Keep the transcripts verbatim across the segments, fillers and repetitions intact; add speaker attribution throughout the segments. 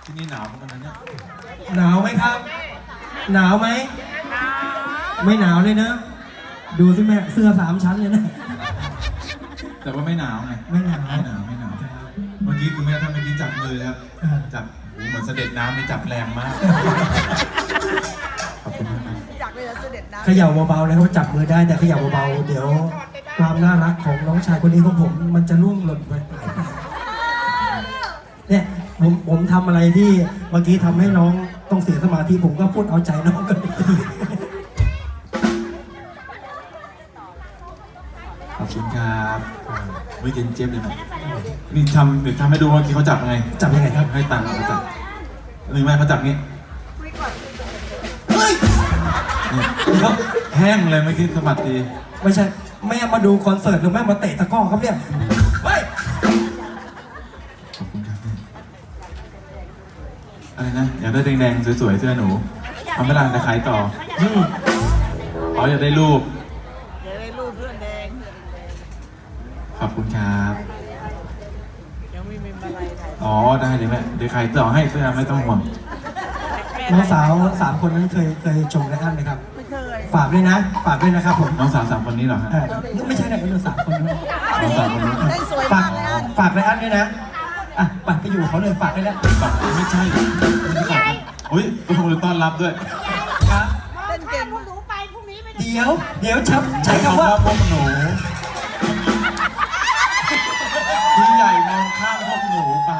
Speaker 1: ที่นี่หนาวเหมือนกันนะเนี่ย
Speaker 2: หนาวไหมครับหนาวไหมไม่หนาวเลยนะดูสิแม่เสื้อสามชั้นเลยนะ
Speaker 1: แต่ว่าไม่หนาวไง
Speaker 2: ไม่หนาว
Speaker 1: ไม่หนาวไม่หนาวเมื่อกี้คุณแม่ท่านเมื่อกี้จับมือครับจับเหมือนเสด็จน้ำไม่จับแรงมากขอบคุณมากครับ
Speaker 3: จากเลยเสด็จน้ำ
Speaker 2: เขย่าเบาๆนะครับจับมือได้แต่เขย่าเบาๆเดี๋ยวความน่ารักของน้องชายคนนี้ของผมมันจะล่วงหล่นไปเนี่ยผมผมทำอะไรที่เมื่อกี้ทำให้น้องต้องเสียสมาธิผมก็พูดเอาใจน้องกัน
Speaker 1: ขอบคุณครับวิเย็นเจี๊ยบเลยนะนี่ทำหรือทำให้ดูว่าเขาจับยังไง
Speaker 2: จับยังไงครับ
Speaker 1: ให้ตังค์เขาจับหรือไม่เขาจับงี้
Speaker 2: เฮ้ย
Speaker 1: เดี๋ยวแห้งเลยไม่คิดสมัติดี
Speaker 2: ไม่ใช่แม่มาดูคอนเสิร์ตหรือแม่มาเตะตะก้อครับเนี่ยเฮ้ย
Speaker 1: ขอบคุณครับอะไรนะอยากได้แดงๆสวยๆเสื้อหนูทำไม่ได้จะขายต่ออ๋ออยากได้รูป
Speaker 3: อยากได้รูปเพื่อนแดง
Speaker 1: ขอบคุณครับ
Speaker 3: ยังไม่มีอะไร
Speaker 1: อ๋อได้เลยแม่เดี๋ยวขายต่อให้เสื้อไม่ต้องห่วง
Speaker 2: น้องสาวสามคนนั้นเคยเคยชมไรอันไหมครับ
Speaker 3: ไม่เคย
Speaker 2: ฝากด้วยนะฝากด้วยนะครับผม
Speaker 1: น้องสาวสามคนนี้เหรอฮะ
Speaker 2: ไม่ใช่นะเป็นสามคนนะ
Speaker 1: น้องสาวคนนี้
Speaker 2: ฝากฝากไรอันด้วยนะอ่ะปัดไปอยู่เขาเลยฝากได้แล้ว
Speaker 1: ฝากไม่ใช่โอ้ยต้องขอบคุณต้อนรับด้วย
Speaker 2: ครับ
Speaker 3: เต้นเก่ง
Speaker 4: หนูไปพรุ่งนี้ไม่ได้
Speaker 2: เดี๋ยวเดี๋ยวชับใช้คำว่า
Speaker 1: พวกหนูพี่ใหญ่มองข้ามพวกหนูไป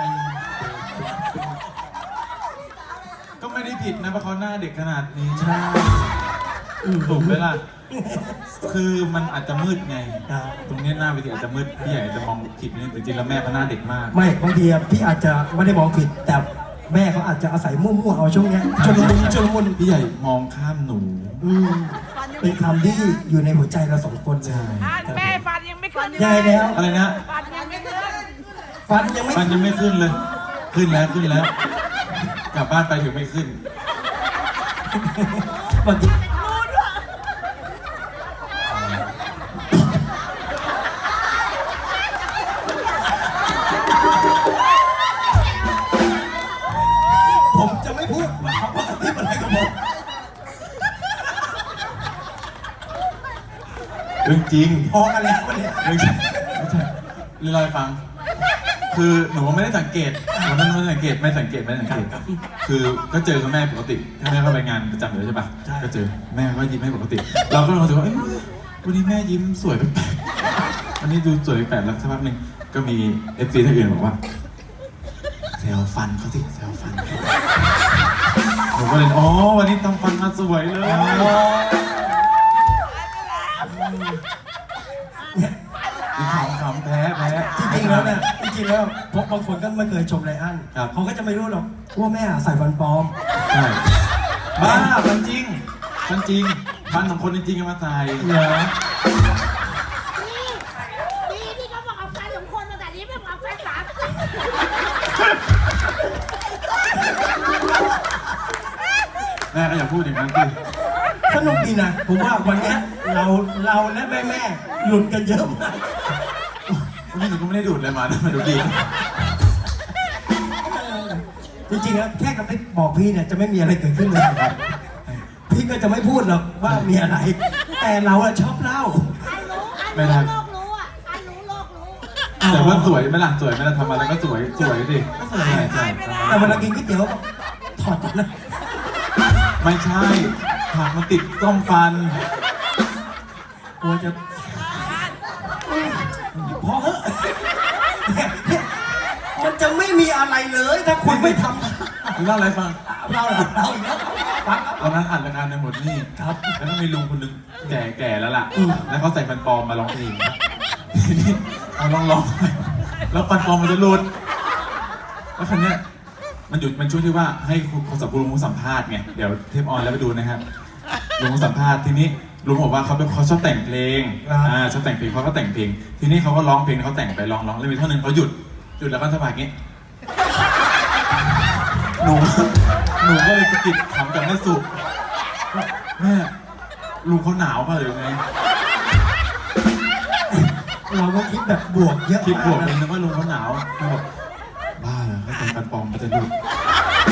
Speaker 1: ก็ไม่ได้ผิดนะเพราะเขาหน้าเด็กขนาดนี้ใช่ถูกไหมล่ะคือมันอาจจะมืดไงตรงนี้หน้าเวทีอาจจะมืดพี่ใหญ่จะมองผิดนิดแต่จริงแล้วแม่เขาหน้าเด็กมาก
Speaker 2: ไม่บางทีพี่อาจจะไม่ได้มองผิดแต่แม่เขาอาจจะอาศัยมั่วๆเอาช่วงนี้ชนมุนชนมุน
Speaker 1: พี่ใหญ่มองข้ามหนู
Speaker 2: เป็นคำที่อยู่ในหัวใจเราสองคน
Speaker 1: ใช่
Speaker 4: แม่ฟันยังไม่ขึ้น
Speaker 2: ยังไงแล้ว
Speaker 1: อะไรนะ
Speaker 4: ฟันยังไม่ขึ้น
Speaker 2: ฟันยังไม่
Speaker 1: ฟันยังไม่ขึ้นเลยขึ้นแล้วขึ้นแล้วกลับบ้านไปถึงไม่ขึ้น
Speaker 2: บางทีผมจะไม่พูดว่าเขาว่าที่อะไรกับผม
Speaker 1: เรื่องจริง
Speaker 2: พอกันแล้วเนี่ย
Speaker 1: เรื่องจริงไม่ใช่เรื่องอะไรฟังคือหนูไม่ได้สังเกตหนูไม่ได้สังเกตไม่สังเกตไม่สังเกตคือก็เจอกับแม่ปกติแม่เข้าไปงานประจำอยู่ใช่ปะก็เจอแม่ก็ยิ้มให้ปกติเราก็รู้สึกว่าวันนี้แม่ยิ้มสวยแปลกๆวันนี้ดูสวยแปลกแล้วสักพักหนึ่งก็มีเอฟซีท่านอื่นบอกว่าแซวฟันเขาสิแซวฟันผมก็เลยอ๋อวันนี้ทำฟันมาสวยเลยขำขำแพ้แพ้
Speaker 2: จริงๆแล้วเนี่ยจริงๆแล้วพวกบางคนก็ไม่เคยชมไรอันเขาก็จะไม่รู้หรอกว่าแม่ใส่ฟันปลอม
Speaker 1: ใช่บ้าฟันจริงฟันจริงฟันของคนจริงๆมาใส่
Speaker 2: เหรอ
Speaker 4: ดีที่เขาบอกเอาฟันของคนมาแต่นี้ไม่บอกฟันสาม
Speaker 1: แม่ก็อย่าพูดอย่างนั้นสิ
Speaker 2: สนุกดีนะผมว่าวันนี้เราเราและแม่แม่หลุดกันเยอะมาก
Speaker 1: วันนี้หนูก็ไม่ได้ดูดอะไรมานะมาดูดี
Speaker 2: จริงๆแล้วแค่กับพี่บอกพี่เนี่ยจะไม่มีอะไรเกิดขึ้นเลยครับพี่ก็จะไม่พูดหรอกว่ามีอะไรแต่เราอะชอบเล่า
Speaker 4: ไม่ได้โลกรู้อ่ะอันรู้โลกรู้
Speaker 1: แต่ว่าสวยไหมล่ะสวยไหมล่ะทำอะไรก็สวยสวยสิ
Speaker 2: ใช่ใช่แต่เวลากินก๋วยเตี๋ยวถอดนะ
Speaker 1: ไม่ใช่ผักมันติดต้มฟัน
Speaker 2: กลัวจะพอเหอะมันจะไม่มีอะไรเลยถ้าคุณไม่ทำ
Speaker 1: เล่าอะไรฟัง
Speaker 2: เล่าเล่าอีกแล้วฟัง
Speaker 1: ตอนนั้นอ่านรายการในหมดนี่
Speaker 2: ครับ
Speaker 1: แล้วก็มีลุงคนนึงแก่แก่แล้วล่ะแล้วเขาใส่ฟันปลอมมาร้องเพลงนี่เอาลองลองแล้วฟันปลอมมันจะหลุดแล้วคันนี้มันหยุดมันช่วยที่ว่าให้คนสัมภาษณ์ลุงสัมภาษณ์ไงเดี๋ยวเทปออนแล้วไปดูนะครับลุงสัมภาษณ์ทีนี้ลุงบอกว่าเขาเป็นเขาชอบแต่งเพลงอ่าชอบแต่งเพลงเขาก็แต่งเพลงทีนี้เขาก็ร้องเพลงเขาแต่งไปร้องร้องแล้วมีท่อนนึงเขาหยุดหยุดแล้วก็สะบัดงี้หนูหนูก็เลยสะกิดถามกับแม่สุแม่ลุงเขาหนาวป่ะหรือไง
Speaker 2: เราก็คิดแบบบวกเยอะ
Speaker 1: คิดบวกเลยนึกว่าลุงเขาหนาวเขาบอกบ้าเหรอเขาแต่งกันปลอมมันจะหยุด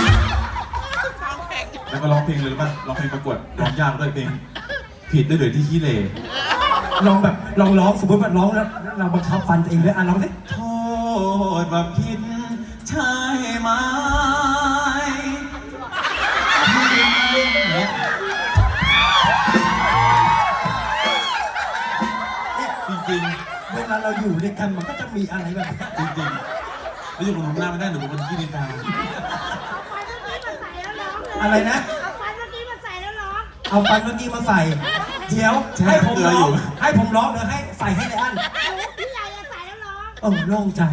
Speaker 1: แล้วก็ร้องเพลงเลยรู้ป่ะร้องเพลงประกวดร้องยากด้วยเพลง ผิดได้เลยที่ขี้เหร่
Speaker 2: ลองแบบลองร้องสมมติว่าร้องแล้วเราบังคับฟันตัวเองด้วยอ่ะร้องสิ
Speaker 1: โทษว่าผิดใช่ไหมจริง
Speaker 2: เวลาเราอยู่ด้วยกันมันก็จะมีอะไรแบบนี้
Speaker 1: ๆจริงๆแล้วอยู่กับหนูหน้าไม่ได้หนูเป็นคนขี้นินทา
Speaker 4: เอาฟันเมื่อกี้มาใส่แล้วร้องเลย
Speaker 2: อะไรนะ
Speaker 4: เอาฟันเมื่อกี้มาใส่แล้วร้อง
Speaker 2: เอาฟันเมื่อกี้มาใส่ เดี๋ยวให้ผมร้องให้ผมร้องหรือให้ใส่ให้ในอัน
Speaker 4: พี่ใหญ่จะใส่แล้วร้อง
Speaker 2: เออโล่งใจ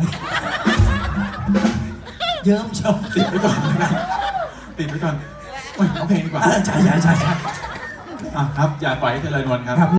Speaker 2: เยิ้มชม
Speaker 1: ติดไปก่อนนะครับติดไปก่อนโอ้ยเอาเพลงดีกว่า
Speaker 2: เออใช่ใช่ใช่ใช่
Speaker 1: อ่ะครับ อย่าปล่อยให้เธอลอยนวลครับ
Speaker 2: ครับ